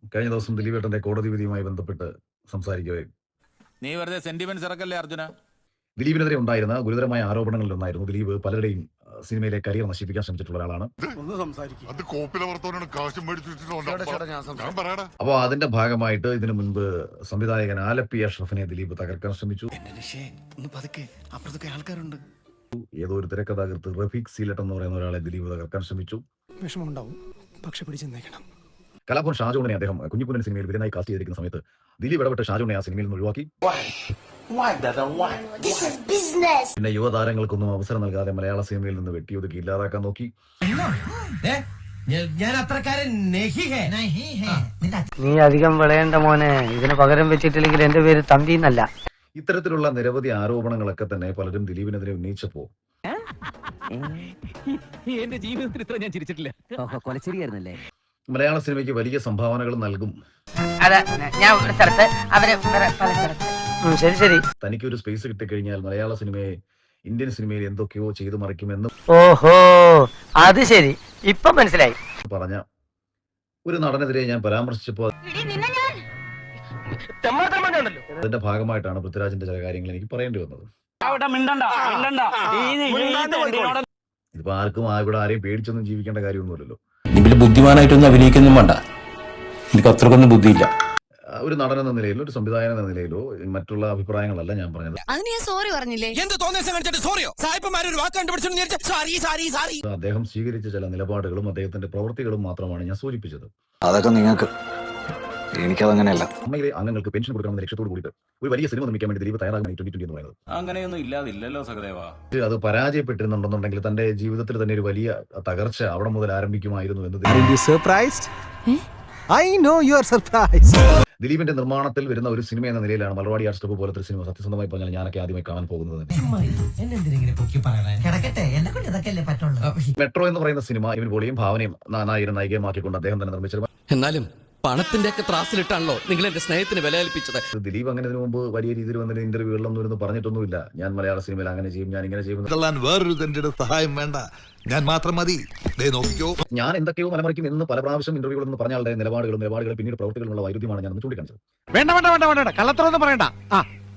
കഴിഞ്ഞ ദിവസം ദിലീപേട്ടന്റെ കോടതി വിധിയുമായി ബന്ധപ്പെട്ട് സംസാരിക്കവേ നീ വെറുതെ സെന്റിമെന്റ്സ് ഇറക്കല്ലേ അർജുന. ദിലീപിനെതിരെ ഉണ്ടായിരുന്ന ഗുരുതരമായ ആരോപണങ്ങളിലൊന്നായിരുന്നു ദിലീപ് പലരുടെയും സിനിമയിലെ കരിയർ നശിപ്പിക്കാൻ ശ്രമിച്ചിട്ടുള്ള ഒരാളാണ്. അപ്പോൾ അതിന്റെ ഭാഗമായിട്ട് ഇതിനു മുൻപ് സംവിധായകൻ ആലപ്പി അഷ്റഫിനെ ദിലീപ് തകർക്കാൻ ശ്രമിച്ചു. ഏതോ ഒരു തിരക്കഥാകൃത്ത് റഫീഖ് സീലറ്റ് എന്ന് പറയുന്ന ഒരാളെ ദിലീപ് തകർക്കാൻ ശ്രമിച്ചു. വിഷമമുണ്ടാവും, പക്ഷെ പിടിച്ചെന്നേക്കണം. കലാഭവൻ ഷാജോണിനെ അദ്ദേഹം കുഞ്ഞുകുഞ്ഞൻ സിനിമയിൽ വില്ലനായി കാസ്റ്റ് ചെയ്തിരിക്കുന്ന സമയത്ത് ദിലീപ് ഇടപെട്ട് ഷാജോണിനെ ആ സിനിമയിൽ നിന്ന് ഒഴിവാക്കി. പിന്നെ യുവതാരങ്ങൾക്കൊന്നും അവസരം നൽകാതെ മലയാള സിനിമയിൽ നിന്ന് വെട്ടിയൊതുക്കി ഇല്ലാതാക്കാൻ നോക്കി. നീ അധികം വിളയേണ്ട മോനെ, ഇതിന് പകരം വെച്ചിട്ടില്ലെങ്കിൽ എന്റെ പേര് തമ്പി എന്നല്ല. ഇത്തരത്തിലുള്ള നിരവധി ആരോപണങ്ങളൊക്കെ തന്നെ പലരും ദിലീപിനെതിരെ ഉന്നയിച്ചപ്പോ എന്റെ ജീവിതത്തിൽ ഇത്ര ഞാൻ ചിരിച്ചിട്ടില്ല. കൊലച്ചിരിയായിരുന്നല്ലേ. മലയാള സിനിമയ്ക്ക് വലിയ സംഭാവനകൾ നൽകും. ശരി ശരി. തനിക്കൊരു സ്പേസ് കിട്ടിക്കഴിഞ്ഞാൽ മലയാള സിനിമയെ ഇന്ത്യൻ സിനിമയിൽ എന്തൊക്കെയോ ചെയ്തു മറിക്കുമെന്നും ഓഹോ, അത് ശരി, ഇപ്പൊ മനസ്സിലായി പറഞ്ഞ ഒരു നടനെതിരെ ഞാൻ പരാമർശിച്ചപ്പോൾ അതിന്റെ ഭാഗമായിട്ടാണ് പൃഥ്വിരാജിന്റെ ചില കാര്യങ്ങൾ എനിക്ക് പറയേണ്ടി വന്നത്. ഇതിപ്പോ ആർക്കും ഇവിടെ ആരെയും പേടിച്ചൊന്നും ജീവിക്കേണ്ട കാര്യമൊന്നുമില്ലല്ലോ. ഇതിൽ ബുദ്ധിമാനായിട്ടൊന്നും അഭിനയിക്കൊന്നും വേണ്ട, എനിക്ക് അത്രക്കൊന്നും ബുദ്ധിയില്ല. ഒരു നടൻ എന്ന നിലയിലോ ഒരു സംവിധായകൻ എന്ന നിലയിലോ മറ്റുള്ള അഭിപ്രായങ്ങളല്ല ഞാൻ പറഞ്ഞത്. അദ്ദേഹം സ്വീകരിച്ച ചില നിലപാടുകളും അദ്ദേഹത്തിന്റെ പ്രവൃത്തികളും മാത്രമാണ് ഞാൻ സൂചിപ്പിച്ചത്. അതൊക്കെ നിങ്ങൾക്ക്, എനിക്കതങ്ങനെയല്ല. അമ്മയിലെ അംഗങ്ങൾക്ക് പെൻഷൻ കൊടുക്കണമെന്ന ലക്ഷ്യത്തോട് കൂടിയിട്ട് ഒരു വലിയ സിനിമ നിർമ്മിക്കാൻ വേണ്ടി ദിലീപ് തയ്യാറാകുന്ന 2020 എന്ന് പറയുന്നത് അങ്ങനെയൊന്നും ഇല്ലാതില്ലല്ലോ സഹദേവ. അത് പരാജയപ്പെട്ടിരുന്നുണ്ടെന്നുണ്ടെങ്കിൽ തന്റെ ജീവിതത്തിൽ തന്നെ ഒരു വലിയ തകർച്ച അവിടെ മുതൽ ആരംഭിക്കുമായിരുന്നു എന്ന് ദിലീപിന്റെ നിർമ്മാണത്തിൽ വരുന്ന ഒരു സിനിമ എന്ന നിലയിലാണ് മലർവാടി ആർട്സ് ക്ലബ്ബ് പോലത്തെ സിനിമ സത്യസന്ധമായി പറഞ്ഞാൽ ഞാനൊക്കെ ആദ്യമായി കാണാൻ പോകുന്നത്. മെട്രോ എന്ന് പറയുന്ന സിനിമ ഇവൻ പോലെയും ഭാവനയും നാനായിരം നായികമാക്കിക്കൊണ്ട് അദ്ദേഹം തന്നെ നിർമ്മിച്ചത്. എന്നാലും പണത്തിന്റെ ഒക്കെ ത്രാസിലിട്ടാണല്ലോ നിങ്ങൾ എന്റെ സ്നേഹത്തിന് വില കൽപ്പിച്ചത്. ദിലീപ് അങ്ങനെ ഇതിനു മുമ്പ് വലിയ രീതിയിൽ വന്നിട്ട് ഇന്റർവ്യൂകളിലൊന്നും ഇരുന്ന് പറഞ്ഞിട്ടൊന്നുമില്ല ഞാൻ മലയാള സിനിമയിൽ അങ്ങനെ ചെയ്യും, ഞാൻ ഇങ്ങനെ ചെയ്യും, വേറൊരു സഹായം വേണ്ട, ഞാൻ മാത്രം മതി, ഞാൻ എന്തൊക്കെയോ മലമറിക്കും എന്ന് പല പ്രാവശ്യം ഇന്റർവ്യൂകളിൽ പറഞ്ഞ ആളുടെ നിലപാടുകളും പിന്നീട് പ്രവൃത്തികളുമുള്ള വൈരുദ്ധ്യമാണ് ഞാൻ ചൂണ്ടിക്കാണിച്ചത്. വേണ്ട കള്ളത്തറൊന്നും പറയണ്ട.